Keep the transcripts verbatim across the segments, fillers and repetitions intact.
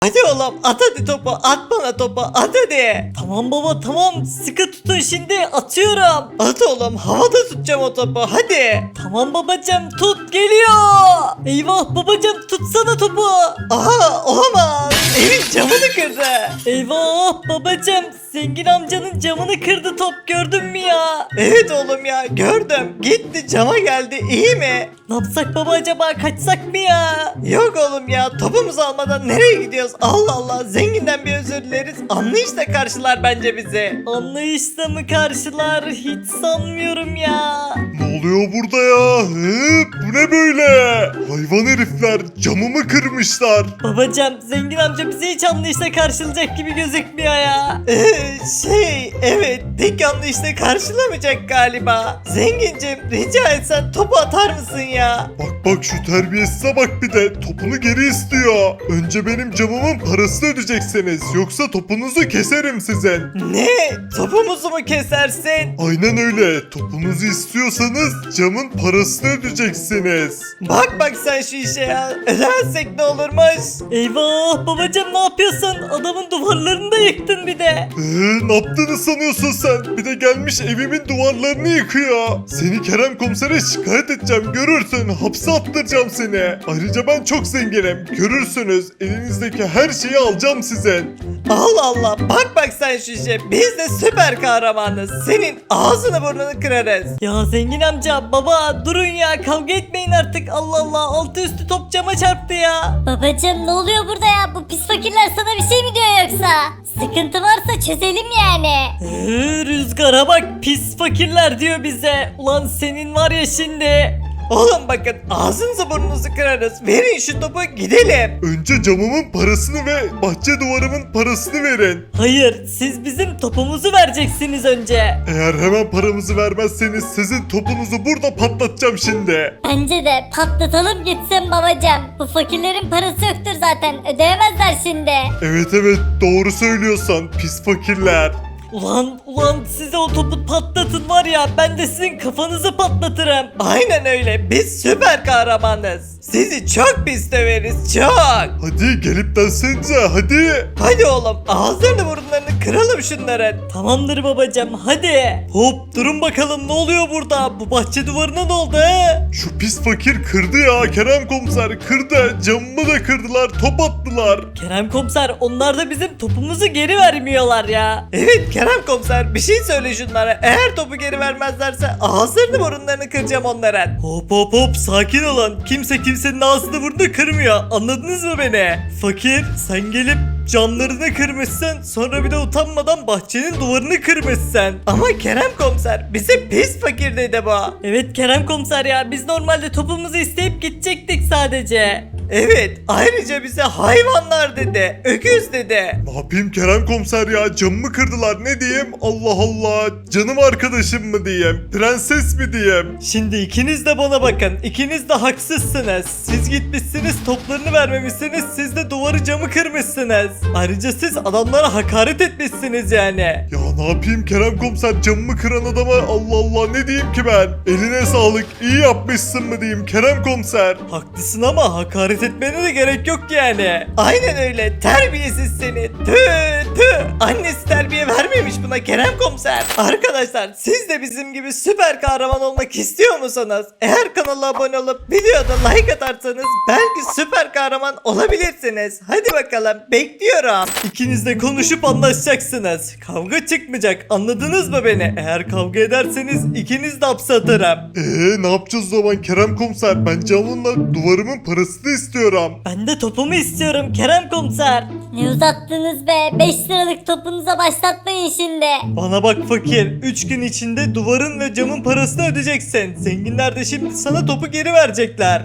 Hadi oğlum at hadi topu, at bana topu, at hadi. Tamam baba tamam, sıkı tutun, şimdi atıyorum. At oğlum, havada tutacağım o topu, hadi. Tamam babacım, tut, geliyor. Eyvah babacım, tutsana topu. Aha, olamaz, evin camını kırdı. Eyvah babacım, zengin amcanın camını kırdı top, gördün mü ya? Evet oğlum ya, gördüm, gitti cama geldi, iyi mi? Ne yapsak baba, acaba kaçsak mı ya? Yok oğlum ya, topumuzu almadan nereye gidiyoruz? Allah Allah, zenginden bir özür dileriz, anlayışla karşılar bence bizi. Anlayışla mı karşılar, hiç sanmıyorum ya. Ne oluyor burada ya? Hı? Bu ne böyle? Hayvan herifler camımı kırmışlar. Babacım, zengin amca bizi hiç anlayışla karşılayacak gibi gözükmüyor ya. Ee, şey, evet, tek anlayışla karşılamayacak galiba. Zengincim, rica etsen topu atar mısın ya? Bak bak şu terbiyesize bak, bir de topunu geri istiyor. Önce benim camımın parasını ödeyeceksiniz. Yoksa topunuzu keserim sizin. Ne? Topumuzu mu kesersin? Aynen öyle. Topunuzu istiyorsanız camın parasını ödeyeceksiniz. Bak bak sen şu işe ya. Ödersek ne olurmuş? Eyvah babacım, ne yapıyorsun? Adamın duvarlarını da yıktın bir de. Eee ne yaptığını sanıyorsun sen? Bir de gelmiş evimin duvarlarını yıkıyor. Seni Kerem komisere şikayet edeceğim, görürsün. Hapse attıracağım seni. Ayrıca ben çok zenginim. Görürsünüz. Elinizdeki her şeyi alacağım sizin. Allah Allah, bak bak sen şu işe. Biz de süper kahramanız. Senin ağzını burnunu kırarız. Ya zengin amca, baba durun ya, kavga etmeyin artık, Allah Allah, altı üstü top cama çarptı ya. Babacım ne oluyor burada ya? Bu pis fakirler sana bir şey mi diyor yoksa? Sıkıntı varsa çözelim yani. Ee, rüzgara bak, pis fakirler diyor bize. Ulan senin var ya şimdi. Oğlum bakın, ağzınızı burnunuzu kırarız. Verin şu topu, gidelim. Önce camımın parasını ve bahçe duvarımın parasını verin. Hayır, siz bizim topumuzu vereceksiniz önce. Eğer hemen paramızı vermezseniz sizin topunuzu burada patlatacağım şimdi. Bence de patlatalım gitsin babacım. Bu fakirlerin parası yoktur zaten. Ödeyemezler şimdi. Evet evet, doğru söylüyorsan pis fakirler. Ulan ulan, size o topu patlatın var ya, ben de sizin kafanızı patlatırım. Aynen öyle, biz süper kahramanız. Sizi çok pis döveriz, çok. Hadi gelip densenize hadi. Hadi oğlum, ağızlarını burunlarını kıralım şunların. Tamamdır babacım, hadi. Hop, durun bakalım, ne oluyor burada? Bu bahçe duvarına ne oldu he? Şu pis fakir kırdı ya, Kerem komiser kırdı. Camımı da kırdılar, top attılar. Kerem komiser, onlar da bizim topumuzu geri vermiyorlar ya. Evet Kerem komiser, bir şey söyle şunlara. Eğer topu geri vermezlerse ağızlarını burunlarını kıracağım onların. Hop hop hop, sakin olun. Kimse kimsenin ağzını burnunu kırmıyor. Anladınız mı beni? Fakir, sen gelip camlarını kırmışsın. Sonra bir de utanmadan bahçenin duvarını kırmışsın. Ama Kerem komiser, bize pis fakir dedi bu. Evet Kerem komiser ya, biz normalde topumuzu isteyip gidecektik sadece. Evet, ayrıca bize hayvanlar dedi, öküz dedi. Ne yapayım Kerem komiser ya, camımı kırdılar, ne diyeyim? Allah Allah, canım arkadaşım mı diyeyim, prenses mi diyeyim? Şimdi ikiniz de bana bakın. İkiniz de haksızsınız. Siz gitmişsiniz, toplarını vermemişsiniz. Siz de duvarı camı kırmışsınız. Ayrıca siz adamlara hakaret etmişsiniz yani. Ya ne yapayım Kerem komiser, camımı kıran adama Allah Allah ne diyeyim ki ben? Eline sağlık, iyi yapmışsın mı diyeyim Kerem komiser? Haklısın ama hakaret etmene de gerek yok yani. Aynen öyle, terbiyesiz seni. Tüh tüh, annesi terbiye vermemiş buna Kerem komiser. Arkadaşlar, siz de bizim gibi süper kahraman olmak istiyor musunuz? Eğer kanala abone olup videoda like atarsanız belki süper kahraman olabilirsiniz. Hadi bakalım, bekliyorum. İkiniz de konuşup anlaşacaksınız. Kavga çıkmayacak. Anladınız mı beni? Eğer kavga ederseniz ikiniz de hapse atarım. Eee ne yapacağız o zaman Kerem komiser? Ben camımla duvarımın parasını istiyorum. Ben de topumu istiyorum Kerem komiser. Ne uzattınız be? beş liralık topunuza başlatmayın şimdi. Bana bak fakir. üç gün içinde duvarın ve camın parasını ödeyeceksin. Zenginler de şimdi sana topu geri verecekler.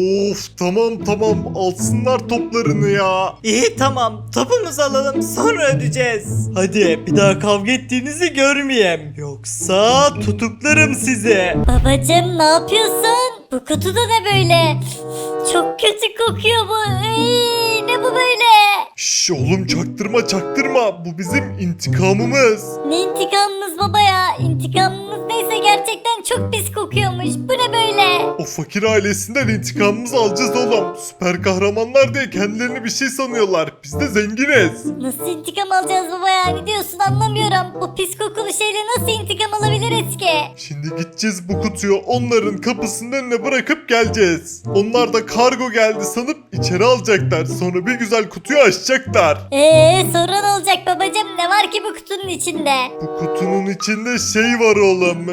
Of tamam tamam, alsınlar toplarını ya. İyi tamam, topumuzu alalım, sonra ödeyeceğiz. Hadi bir daha kavga ettiğinizi görmeyeyim. Yoksa tutuklarım sizi. Babacım ne yapıyorsun? Bu kutu da ne böyle? Çok kötü kokuyor bu. Iy, ne bu böyle? Şş oğlum, çaktırma çaktırma, bu bizim intikamımız. Ne intikamımız baba ya? İntikamımız neyse gerçekten çok pis kokuyormuş. Bu ne böyle? O fakir ailesinden intikamımızı alacağız oğlum. Süper kahramanlar diye kendilerini bir şey sanıyorlar. Biz de zenginiz. Nasıl intikam alacağız baba ya? Ne diyorsun anlamıyorum. Bu pis kokulu şeyle nasıl intikam alabiliriz ki? Şimdi gideceğiz bu kutuyu onların kapısının önüne bırakıp geleceğiz. Onlar da kargo geldi sanıp içeri alacaklar. Sonra bir güzel kutuyu açacaklar. Eee sonra ne olacak babacım? Ne var ki bu kutunun içinde? Bu kutunun içinde şey var oğlum.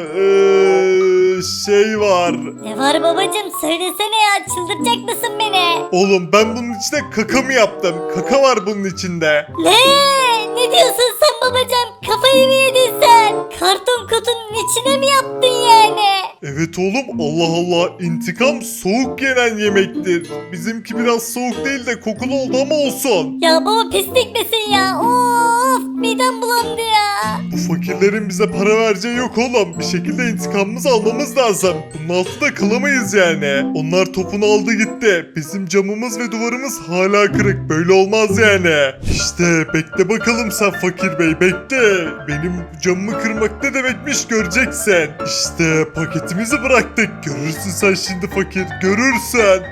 Eee, şey var. Ne var babacım? Söylesene ya. Çıldıracak mısın beni? Oğlum ben bunun içine kaka mı yaptım? Kaka var bunun içinde. Ne? Ne diyorsun sen babacım? Kafayı mı yedin sen? Karton kutunun içine mi yaptın yani? Evet oğlum Allah Allah intikam soğuk yenen yemektir. Bizimki biraz soğuk değil de kokulu oldu ama olsun. Ya baba pislik misin ya? Of midem bulandı ya. Bu fakirlerin bize para vereceği yok oğlum. Bir şekilde intikamımızı almamız lazım. Bunun altında kalamayız yani. Onlar topunu aldı gitti. Bizim camımız ve duvarımız hala kırık. Böyle olmaz yani. İşte bekle bakalım sen fakir bey bekle. Benim camımı kırmak ne demekmiş göreceksin. İşte paketimizi bıraktık. Görürsün sen şimdi fakir görürsün.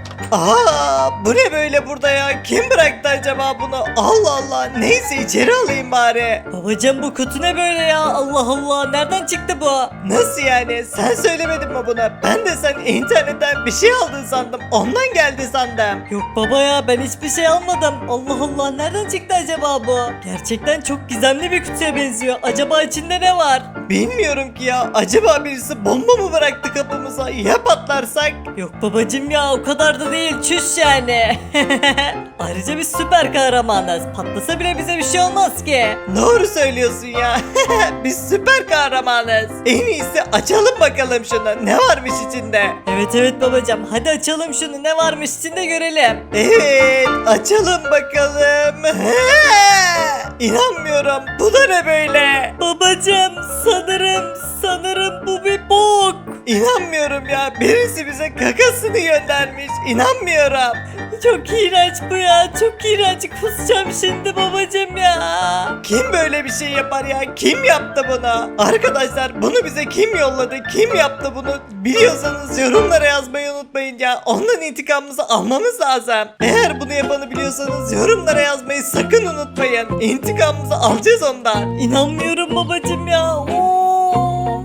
Aa, bu ne böyle burada ya? Kim bıraktı acaba bunu? Allah Allah. Neyse içeri alayım bari. Babacım bu kutu ne böyle ya? Allah Allah nereden çıktı bu? Nasıl yani? Sen söylemedin mi buna? Ben de sen internetten bir şey aldın sandım. Ondan geldi sandım. Yok baba ya ben hiçbir şey almadım. Allah Allah nereden çıktı acaba bu? Gerçekten çok gizemli bir kutuya benziyor. Acaba içinde ne var? Bilmiyorum ki ya. Acaba birisi bomba mı bıraktı kapımıza? Ya patlarsak? Yok babacım ya o kadar da değil çüş yani. Ayrıca biz süper kahramanız. Patlasa bile bize bir şey olmaz ki. Doğru söylüyorsun ya. Biz süper kahramanız. En iyisi açalım bakalım şunu. Ne varmış içinde? Evet evet babacım hadi açalım şunu ne varmış içinde görelim. Evet, açalım bakalım. İnanmıyorum. Bu da ne böyle? Babacım sanırım sanırım bu bir bok. İnanmıyorum ya. Birisi bize kakasını göndermiş. İnanmıyorum. Çok iğrenç bu ya çok iğrenç kusacağım şimdi babacım ya. Kim böyle bir şey yapar ya? Kim yaptı bunu? Arkadaşlar bunu bize kim yolladı? Kim yaptı bunu? Biliyorsanız yorumlara yazmayı unutmayın ya. Ondan intikamımızı almamız lazım. Eğer bunu yapanı biliyorsanız yorumlara yazmayı sakın unutmayın. İntikamımızı alacağız ondan. İnanmıyorum babacım ya. Oo.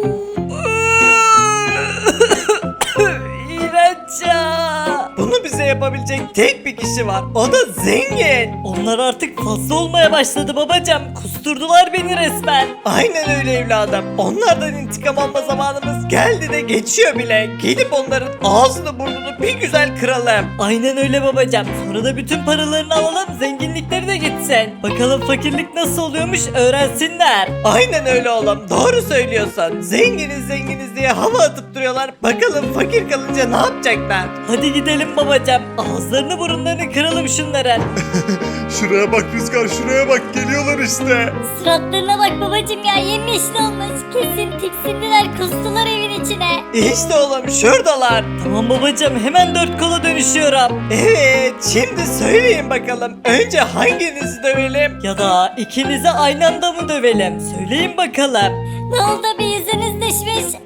İğrenç ya. Bunu bize yapabilecek tek bir kişi var. O da zengin. Onlar artık fazla olmaya başladı babacım. Kusturdular beni resmen. Aynen öyle evladım. Onlardan intikam alma zamanımız geldi de geçiyor bile. Gidip onların ağzını burnunu bir güzel kıralım. Aynen öyle babacım. Sonra da bütün paralarını alalım zenginlikleri de gitsin. Bakalım fakirlik nasıl oluyormuş öğrensinler. Aynen öyle oğlum. Doğru söylüyorsun. Zenginiz zenginiz diye hava atıp duruyorlar. Bakalım fakir kalınca ne yapacaklar? Hadi gidelim babacım. Ağızlarını burunlarını kıralım şunların. Şuraya bak Rüzgar şuraya bak geliyorlar işte. Suratlarına bak babacım ya yemyeşil olmuş. Kesin tiksindiler kustular evin içine. İşte oğlum şuradalar. Tamam babacım hemen dört kola dönüşüyorum. Evet şimdi söyleyin bakalım. Önce hanginizi dövelim? Ya da ikinizi aynı anda mı dövelim? Söyleyin bakalım. Ne oldu bir yüzünüz düşmüş?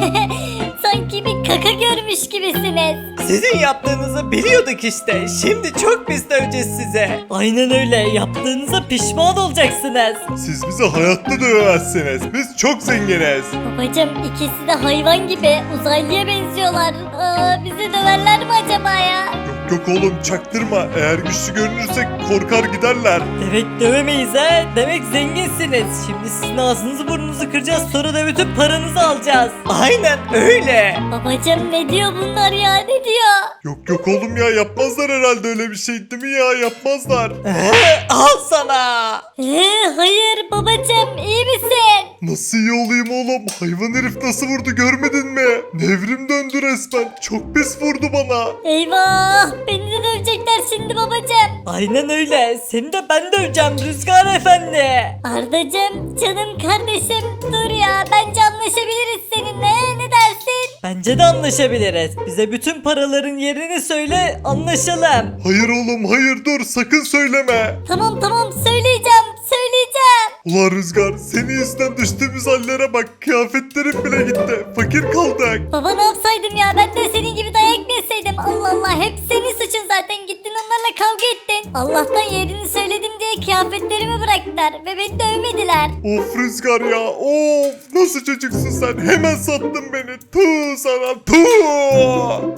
Sanki bir kaka görmüş gibisiniz. Sizin yaptığınızı biliyorduk işte. Şimdi çok pis döveceğiz size. Aynen öyle. Yaptığınıza pişman olacaksınız. Siz bizi hayatta dövemezsiniz. Biz çok zenginiz. Babacım ikisi de hayvan gibi uzaylıya benziyorlar. Aa, bizi döverler mi acaba ya? Yok yok oğlum çaktırma. Eğer güçlü görünürsek korkar giderler. Demek dövemeyiz ha? Demek zenginsiniz. Şimdi sizin ağzınızı burnunuzu kıracağız. Sonra da bütün paranızı alacağız. Aynen öyle. Babacım ne diyor bunlar ya ne diyor? Yok yok oğlum ya yapmazlar herhalde öyle bir şey değil mi ya yapmazlar. Ee, al sana. Ee, hayır babacım iyi misin? Nasıl iyi olayım oğlum? Hayvan herif nasıl vurdu görmedin mi? Nevrim döndü resmen. Çok pis vurdu bana. Eyvah beni de dövecekler şimdi babacım. Aynen öyle. Seni de ben döveceğim Rüzgar Efendi. Ardacım canım kardeşim dur ya bence anlaşabiliriz seninle ne dersin? Bence de anlaşabiliriz. Bize bütün paraların yerini söyle anlaşalım. Hayır oğlum hayır dur sakın söyleme. Tamam tamam söyleyeceğim söyleyeceğim. Ulan Rüzgar, senin yüzünden düştüğümüz hallere bak. Kıyafetlerim bile gitti. Fakir kaldık. Baba ne yapsaydım ya, ben de senin gibi dayak mı yeseydim? Allah Allah, hep senin suçun zaten, gittin onlarla kavga ettin. Allah'tan yerini söyledim diye kıyafetlerimi bıraktılar ve beni dövmediler. Of Rüzgar ya, of nasıl çocuksun sen, hemen sattın beni. Tuh sana tuh.